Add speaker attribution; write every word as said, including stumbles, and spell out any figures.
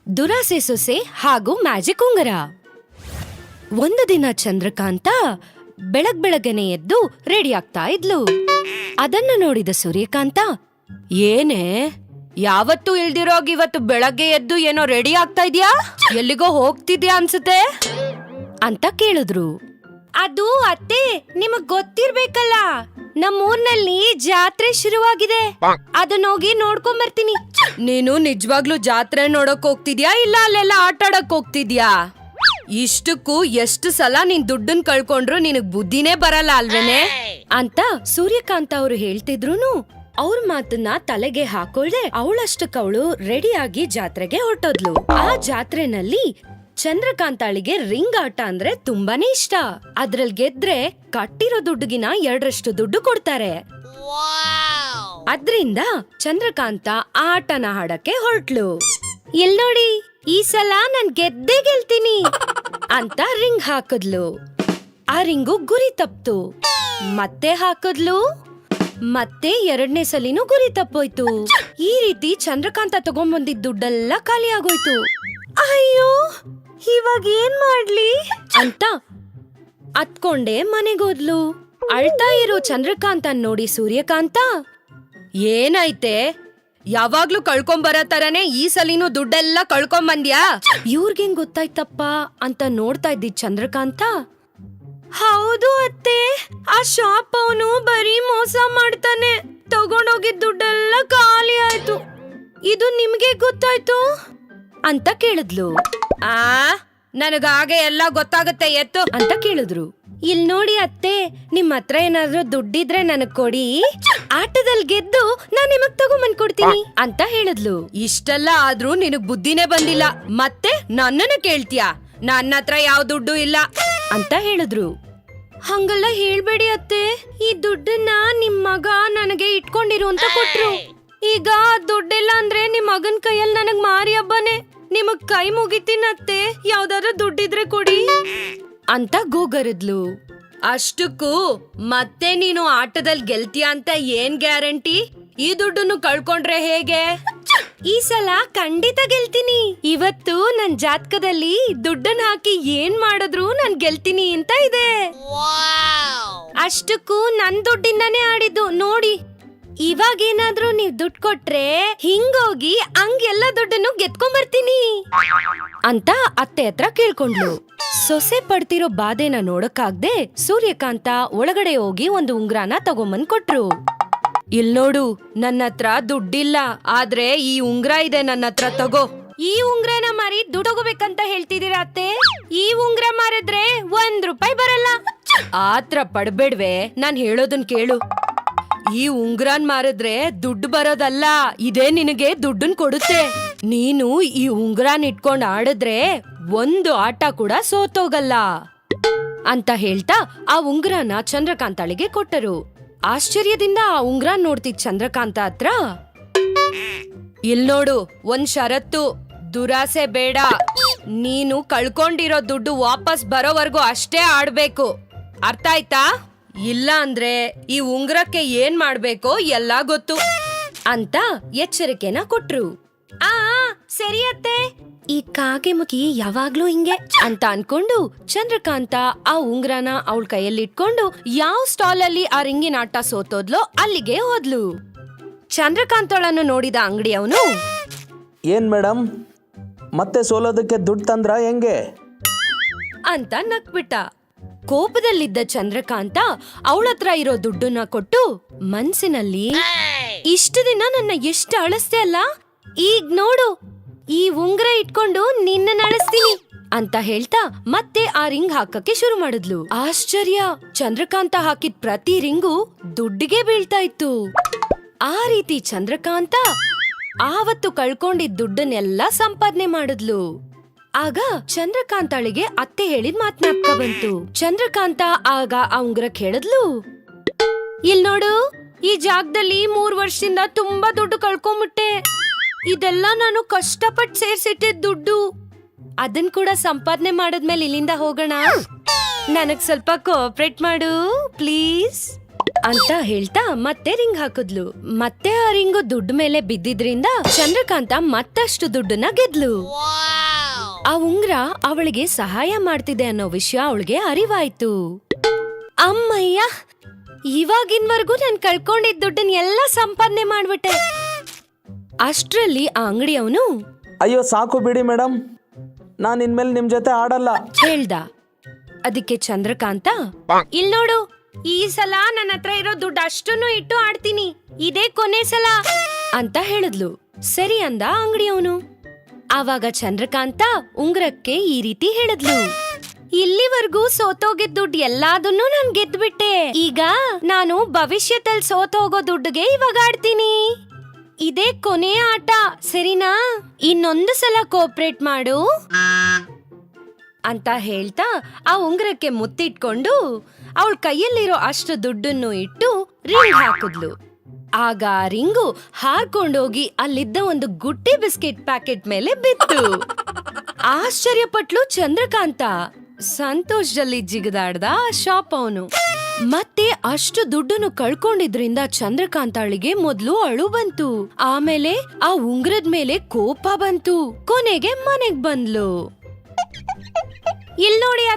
Speaker 1: ದುರಾಸೆ ಸೊಸೆ ಹಾಗೂ ಮ್ಯಾಜಿಕ್ ಉಂಗರ. ಒಂದು ದಿನ ಚಂದ್ರಕಾಂತ ಬೆಳಗ್ ಬೆಳಗ್ಗೆನೆ ಎದ್ದು ರೆಡಿ ಆಗ್ತಾ ಇದ್ಲು. ಅದನ್ನು ನೋಡಿದ ಸೂರ್ಯಕಾಂತ, ಏನೇ ಯಾವತ್ತೂ ಇಲ್ದಿರೋಗ್ ಇವತ್ತು ಬೆಳಗ್ಗೆ ಎದ್ದು ಏನೋ ರೆಡಿ ಆಗ್ತಾ ಇದ್ಯಾ? ಎಲ್ಲಿಗೋ ಹೋಗ್ತಿದ್ಯಾ ಅನ್ಸುತ್ತೆ ಅಂತ ಕೇಳಿದ್ರು. ಅದು ಅತ್ತೆ, ನಿಮಗ್ ಗೊತ್ತಿರ್ಬೇಕಲ್ಲ, ನಮ್ಮೂರ್ನಲ್ಲಿ ಜಾತ್ರೆ ಶುರುವಾಗಿದೆ, ಅದನ್ನ ಹೋಗಿ ನೋಡ್ಕೊಂಡ್ ಬರ್ತೀನಿ. ನೀನು ನಿಜವಾಗ್ಲೂ ಜಾತ್ರೆ ನೋಡಕ್ ಹೋಗ್ತಿದ್ಯಾ ಇಲ್ಲ ಅಲ್ಲೆಲ್ಲ ಆಟ ಆಡಕ್ ಹೋಗ್ತಿದ್ಯಾ? ಇಷ್ಟಕ್ಕೂ ಎಷ್ಟು ಸಲ ನೀನ್ ದುಡ್ಡನ್ ಕಳ್ಕೊಂಡ್ರು ನಿನಗ್ ಬುದ್ಧಿನೇ ಬರಲ್ಲ ಅಲ್ವೇನೆ ಅಂತ ಸೂರ್ಯಕಾಂತ ಅವ್ರು ಹೇಳ್ತಿದ್ರುನು ಅವ್ರ ಮಾತನ್ನ ತಲೆಗೆ ಹಾಕೊಳ್ದೆ ಅವಳಷ್ಟಕ್ಕವಳು ರೆಡಿಯಾಗಿ ಜಾತ್ರೆಗೆ ಹೊರಟೋದ್ಲು. ಆ ಜಾತ್ರೆನಲ್ಲಿ ಚಂದ್ರಕಾಂತಾಳಿಗೆ ರಿಂಗ್ ಆಟ ಅಂದ್ರೆ ತುಂಬಾನೇ ಇಷ್ಟ. ಅದ್ರಲ್ಲಿ ಗೆದ್ರೆ ಕಟ್ಟಿರೋ ದುಡ್ಡುಗಿನ ಎರಡರಷ್ಟು ದುಡ್ಡು ಕೊಡ್ತಾರೆ. ಅದ್ರಿಂದ ಚಂದ್ರಕಾಂತ ಆಟನ ಹಾಡಕ್ಕೆ ಹೊರಟ್ಲು. ಇಲ್ ನೋಡಿ, ಈ ಸಲ ನಾನ್ ಗೆದ್ದೇ ಗೆಲ್ತೀನಿ ಅಂತ ರಿಂಗ್ ಹಾಕದ್ಲು. ಆ ರಿಂಗು ಗುರಿ ತಪ್ತು. ಮತ್ತೆ ಹಾಕದ್ಲು. ಮತ್ತೆ ಎರಡನೇ ಸಲಿನೂ ಗುರಿ ತಪ್ಪೋಯ್ತು. ಈ ರೀತಿ ಚಂದ್ರಕಾಂತ ತಗೊಂಡ್ಬಂದಿದ್ ದುಡ್ಡೆಲ್ಲ ಖಾಲಿ ಆಗೋಯ್ತು. ಅಯ್ಯೋ, ಇವಾಗ ಏನ್ ಮಾಡ್ಲಿ ಅಂತ ಅತ್ಕೊಂಡೆ ಮನೆಗೋದ್ಲು. ಅಳ್ತಾ ಇರೋ ಚಂದ್ರಕಾಂತ ನೋಡಿ ಸೂರ್ಯಕಾಂತ, ಏನಾಯ್ತೆ? ಯಾವಾಗ್ಲೂ ಕಳ್ಕೊಂಬರ ತರನೇ ಈ ಸಲಿನೂ ದುಡ್ಡೆಲ್ಲ ಕಳ್ಕೊಂಬಂದ್ಯಾ? ಇವ್ರಿಗೇನ್ ಗೊತ್ತಾಯ್ತಪ್ಪ ಅಂತ ನೋಡ್ತಾ ಇದ್ದಿದ್ ಚಂದ್ರಕಾಂತ, ಹೌದು ಅತ್ತೆ, ಆ ಶಾಪ್ ಅವನು ಬರೀ ಮೋಸ ಮಾಡ್ತಾನೆ, ತಗೊಂಡೋಗಿದ್ ದುಡ್ಡೆಲ್ಲ ಖಾಲಿ ಆಯ್ತು. ಇದು ನಿಮ್ಗೆ ಗೊತ್ತಾಯ್ತು ಅಂತ ಕೇಳಿದ್ಲು. ಆ ನನಗಾಗೆ ಎಲ್ಲ ಗೊತ್ತಾಗುತ್ತೆ ಎತ್ತು ಅಂತ ಕೇಳಿದ್ರು. ಇಲ್ ನೋಡಿ ಅತ್ತೆ, ನಿಮ್ ಹತ್ರ ಏನಾದ್ರೂ ದುಡ್ಡಿದ್ರೆ ನನಗ್ ಕೊಡಿ, ಆಟದಲ್ಲಿ ಗೆದ್ದು ನಾನ್ ನಿಮಗ್ ತಗೊಂಬಂದ್ ಕೊಡ್ತೀನಿ ಅಂತ ಹೇಳಿದ್ಲು. ಇಷ್ಟೆಲ್ಲ ಆದ್ರೂ ನಿನಗ್ ಬುದ್ಧಿನೇ ಬಂದಿಲ್ಲ, ಮತ್ತೆ ನನ್ನನ್ನ ಕೇಳ್ತೀಯಾ? ನನ್ನ ಹತ್ರ ಯಾವ ದುಡ್ಡು ಇಲ್ಲ ಅಂತ ಹೇಳಿದ್ರು. ಹಂಗೆಲ್ಲ ಹೇಳ್ಬೇಡಿ ಅತ್ತೆ, ಈ ದುಡ್ಡನ್ನ ನಿಮ್ ಮಗ ನನಗೆ ಇಟ್ಕೊಂಡಿರು ಅಂತ ಕೊಟ್ರು. ಈಗ ದುಡ್ಡಿಲ್ಲ ಅಂದ್ರೆ ನಿಮ್ ಮಗನ್ ಕೈಯಲ್ಲಿ ನನಗ್ ಮಾರಿ ಹಬ್ಬನೇ, ನಿಮಗ್ ಕೈ ಮುಗಿತೀನತ್ತೆ, ಯಾವ್ದಾದ್ರು ದುಡ್ಡಿದ್ರೆ ಕೊಡಿ ಅಂತ ಗೋಗರದ್ಲು. ಅಷ್ಟಕ್ಕೂ ಮತ್ತೆ ನೀನು ಆಟದಲ್ಲಿ ಗೆಲ್ತೀಯ ಅಂತ ಏನ್ ಗ್ಯಾರಂಟಿ? ಈ ದುಡ್ಡನ್ನು ಕಳ್ಕೊಂಡ್ರೆ ಹೇಗೆ? ಈ ಸಲ ಖಂಡಿತ ಗೆಲ್ತೀನಿ. ಇವತ್ತು ನನ್ ಜಾತಕದಲ್ಲಿ ದುಡ್ಡನ್ನ ಹಾಕಿ ಏನ್ ಮಾಡಿದ್ರು ನಾನ್ ಗೆಲ್ತೀನಿ ಅಂತ ಇದೆ. ಅಷ್ಟಕ್ಕೂ ನನ್ ದುಡ್ಡಿಂದಾನೇ ಆಡಿದ್ದು ನೋಡಿ. ಇವಾಗೇನಾದ್ರೂ ನೀವ್ ದುಡ್ಡು ಕೊಟ್ರೆ ಹಿಂಗೋಗಿ ಹಂಗ್ ಎಲ್ಲ ದುಡ್ಡನ್ನು ಗೆದ್ಕೊಂಡ್ ಬರ್ತೀನಿ ಅಂತ ಅತ್ತೆ ಹತ್ರ ಕೇಳ್ಕೊಂಡ್ಲು. ಸೊಸೆ ಪಡ್ತಿರೋ ಬಾಧೆನ ನೋಡಕ್ಕಾಗ್ದೆ ಸೂರ್ಯಕಾಂತ ಒಳಗಡೆ ಹೋಗಿ ಒಂದು ಉಂಗ್ರಾನ ತಗೊಂಬಂದ್ ಕೊಟ್ರು. ಇಲ್ ನೋಡು, ನನ್ನ ಹತ್ರ ದುಡ್ಡಿಲ್ಲ, ಆದ್ರೆ ಈ ಉಂಗ್ರ ಇದೆ ನನ್ನ ಹತ್ರ, ತಗೋ. ಈ ಉಂಗ್ರನ ಮಾರಿ ದುಡ್ಡು ತಗೋಬೇಕಂತ ಹೇಳ್ತಿದೀರ ಅತ್ತೆ? ಈ ಉಂಗ್ರ ಮಾರಿದ್ರೆ ಒಂದ್ ರೂಪಾಯಿ ಬರಲ್ಲ. ಆತ್ರ ಪಡ್ಬೇಡ್ವೆ, ನಾನ್ ಹೇಳೋದನ್ ಕೇಳು. ಈ ಉಂಗ್ರಾನ್ ಮಾರಿದ್ರೆ ದುಡ್ಡು ಬರೋದಲ್ಲ, ಇದೇ ನಿನಗೆ ದುಡ್ಡನ್ ಕೊಡುತ್ತೆ. ನೀನು ಈ ಉಂಗ್ರಾನ್ ಇಟ್ಕೊಂಡ್ ಆಡಿದ್ರೆ ಒಂದು ಆಟ ಕೂಡ ಸೋತೋಗಲ್ಲ ಅಂತ ಹೇಳ್ತಾ ಆ ಉಂಗ್ರಾನ ಚಂದ್ರಕಾಂತಾಳಿಗೆ ಕೊಟ್ಟರು. ಆಶ್ಚರ್ಯದಿಂದ ಆ ಉಂಗ್ರಾನ್ ನೋಡ್ತಿದ್ ಚಂದ್ರಕಾಂತ ಹತ್ರ, ಇಲ್ ನೋಡು, ಒಂದ್ ಷರತ್ತು, ದುರಾಸೆ ಬೇಡ. ನೀನು ಕಳ್ಕೊಂಡಿರೋ ದುಡ್ಡು ವಾಪಸ್ ಬರೋವರೆಗೂ ಅಷ್ಟೇ ಆಡ್ಬೇಕು, ಅರ್ಥ ಆಯ್ತಾ? ಇಲ್ಲ ಅಂದ್ರೆ ಈ ಉಂಗ್ರಕ್ಕೆ ಏನ್ ಮಾಡ್ಬೇಕೋ ಎಲ್ಲ ಗೊತ್ತು ಅಂತ ಎಚ್ಚರಿಕೆನ ಕೊಟ್ರು. ಆ ಸರಿ ಅತ್ತೆ, ಈ ಕಾಗೆ ಮುಖಿ ಯಾವಾಗ್ಲೂ ಹಿಂಗೆ ಅಂತ ಅನ್ಕೊಂಡು ಚಂದ್ರಕಾಂತ ಆ ಉಂಗ್ರನ ಅವಳ ಕೈಯಲ್ಲಿ ಇಟ್ಕೊಂಡು ಯಾವ ಸ್ಟಾಲ್ ಅಲ್ಲಿ ಆ ರಿಂಗಿನ ಆಟ ಸೋತೋದ್ಲೋ ಅಲ್ಲಿಗೆ ಹೋದ್ಲು. ಚಂದ್ರಕಾಂತಳನ್ನು ನೋಡಿದ ಅಂಗಡಿ ಅವನು,
Speaker 2: ಏನ್ ಮೇಡಮ್, ಮತ್ತೆ ಸೋಲೋದಕ್ಕೆ ದುಡ್ಡು ತಂದ್ರ ಹೆಂಗೆ
Speaker 1: ಅಂತ ನಕ್ಬಿಟ್ಟ. ಕೋಪದಲ್ಲಿದ್ದ ಚಂದ್ರಕಾಂತ ಅವಳತ್ರ ಇರೋ ದುಡ್ಡನ್ನ ಕೊಟ್ಟು ಮನ್ಸಿನಲ್ಲಿ, ಇಷ್ಟು ದಿನ ನನ್ನ ಎಷ್ಟು ಅಳಿಸ್ತೆ ಅಲ್ಲ, ಈಗ ನೋಡು, ಈ ಉಂಗ್ರ ಇಟ್ಕೊಂಡು ನಿನ್ನ ಅಳಿಸ್ತೀನಿ ಅಂತ ಹೇಳ್ತಾ ಮತ್ತೆ ಆ ರಿಂಗ್ ಹಾಕಕ್ಕೆ ಶುರು ಮಾಡಿದ್ಲು. ಆಶ್ಚರ್ಯ, ಚಂದ್ರಕಾಂತ ಹಾಕಿದ್ ಪ್ರತಿ ರಿಂಗು ದುಡ್ಡಿಗೆ ಬೀಳ್ತಾ ಇತ್ತು. ಆ ರೀತಿ ಚಂದ್ರಕಾಂತ ಆವತ್ತು ಕಳ್ಕೊಂಡಿದ್ ದುಡ್ಡನ್ನೆಲ್ಲ ಸಂಪಾದನೆ ಮಾಡಿದ್ಲು. ಆಗ ಚಂದ್ರಕಾಂತಾಳಿಗೆ ಅತ್ತೆ ಹೇಳಿದ್ ಮಾತ್ನಾಪ್ಕ ಬಂತು. ಚಂದ್ರಕಾಂತ ಆಗ ಆ ಉಂಗ್ರ ಕೇಳಿದ್ಲು, ಇಲ್ ನೋಡು, ಈ ಜಾಗದಲ್ಲಿ ಮೂರ್ ವರ್ಷದಿಂದ ತುಂಬಾ ದುಡ್ಡು ಕಳ್ಕೊಂಬಿಟ್ಟೆ. ಇದೆಲ್ಲ ನಾನು ಕಷ್ಟಪಟ್ಟು ಸೇರ್ಸಿಟ್ಟಿದ್ ದುಡ್ಡು. ಅದನ್ ಕೂಡ ಸಂಪಾದನೆ ಮಾಡದ್ಮೇಲೆ ಇಲ್ಲಿಂದ ಹೋಗೋಣ. ನನಗ್ ಸ್ವಲ್ಪ ಕೋಆಪರೇಟ್ ಮಾಡು ಪ್ಲೀಸ್ ಅಂತ ಹೇಳ್ತಾ ಮತ್ತೆ ರಿಂಗ್ ಹಾಕಿದ್ಲು. ಮತ್ತೆ ಆ ರಿಂಗು ದುಡ್ಡು ಮೇಲೆ ಬಿದ್ದಿದ್ರಿಂದ ಚಂದ್ರಕಾಂತ ಮತ್ತಷ್ಟು ದುಡ್ಡನ್ನ ಗೆದ್ಲು. ಆ ಉಂಗ್ರ ಅವಳಿಗೆ ಸಹಾಯ ಮಾಡ್ತಿದೆ ಅನ್ನೋ ವಿಷಯ ಅವಳಿಗೆ ಅರಿವಾಯ್ತು. ಅಮ್ಮಯ್ಯ, ಇವಾಗಿನ್ವರ್ಗೂ ನಾನ್ ಕಳ್ಕೊಂಡಿದ್ದ ದುಡ್ಡನ್ನ ಎಲ್ಲ ಸಂಪಾದನೆ ಮಾಡ್ಬಿಟ್ಟೆ. ಅಷ್ಟ್ರಲ್ಲಿ ಆ ಅಂಗಡಿಯವನು
Speaker 2: ಅಯ್ಯೋ ಸಾಕು ಬಿಡಿ ಮೇಡಮ್, ನಾನು ಇನ್ಮೇಲೆ ನಿಮ್ಮ ಜೊತೆ ಆಡಲ್ಲ
Speaker 1: ಹೇಳ್ದ. ಅದಕ್ಕೆ ಚಂದ್ರಕಾಂತ, ಇಲ್ ನೋಡು, ಈ ಸಲ ನನ್ನ ಹತ್ರ ಇರೋ ದುಡ್ಡು ಅಷ್ಟನ್ನು ಇಟ್ಟು ಆಡ್ತೀನಿ, ಇದೇ ಕೊನೆ ಸಲ ಅಂತ ಹೇಳಿದ್ಲು. ಸರಿ ಅಂದ ಅಂಗಡಿಯವನು. ಆವಾಗ ಚಂದ್ರಕಾಂತ ಉಂಗ್ರಕ್ಕೆ ಈ ರೀತಿ ಹೇಳಿದ್ಲು, ಇಲ್ಲಿವರೆಗೂ ಸೋತೋಗಿದ್ ದುಡ್ಡು ಎಲ್ಲಾದನ್ನು ನಾನ್ ಗೆದ್ಬಿಟ್ಟೆ. ಈಗ ನಾನು ಭವಿಷ್ಯದಲ್ಲಿ ಸೋತೋಗೋ ದುಡ್ಡುಗೆ ಇವಾಗ ಆಡ್ತೀನಿ. ಇದೇ ಕೊನೆಯ ಆಟ, ಸರಿನಾ? ಇನ್ನೊಂದು ಸಲ ಕೋಆಪರೇಟ್ ಮಾಡು ಅಂತ ಹೇಳ್ತಾ ಆ ಉಂಗ್ರಕ್ಕೆ ಮುತ್ತಿಟ್ಕೊಂಡು ಅವಳ ಕೈಯಲ್ಲಿರೋ ಅಷ್ಟು ದುಡ್ಡನ್ನು ಇಟ್ಟು ರಿಂಗ್ ಹಾಕಿದ್ಲು. ಆಗ ಆ ರಿಂಗು ಹಾರ್ಕೊಂಡೋಗಿ ಅಲ್ಲಿದ್ದ ಒಂದು ಗುಟ್ಟಿ ಬಿಸ್ಕೆಟ್ ಪ್ಯಾಕೆಟ್ ಮೇಲೆ ಬಿತ್ತು. ಆಶ್ಚರ್ಯಪಟ್ಲು ಚಂದ್ರಕಾಂತ. ಸಂತೋಷದಲ್ಲಿ ಜಿಗದಾಡ್ದ ಆ ಶಾಪ್ ಅವನು. ಮತ್ತೆ ಅಷ್ಟು ದುಡ್ಡನ್ನು ಕಳ್ಕೊಂಡಿದ್ರಿಂದ ಚಂದ್ರಕಾಂತಾಳಿಗೆ ಮೊದ್ಲು ಅಳು ಬಂತು. ಆಮೇಲೆ ಆ ಉಂಗ್ರದ ಮೇಲೆ ಕೋಪ ಬಂತು. ಕೊನೆಗೆ ಮನೆಗ್ ಬಂದ್ಲು. ಇಲ್ ನೋಡಿ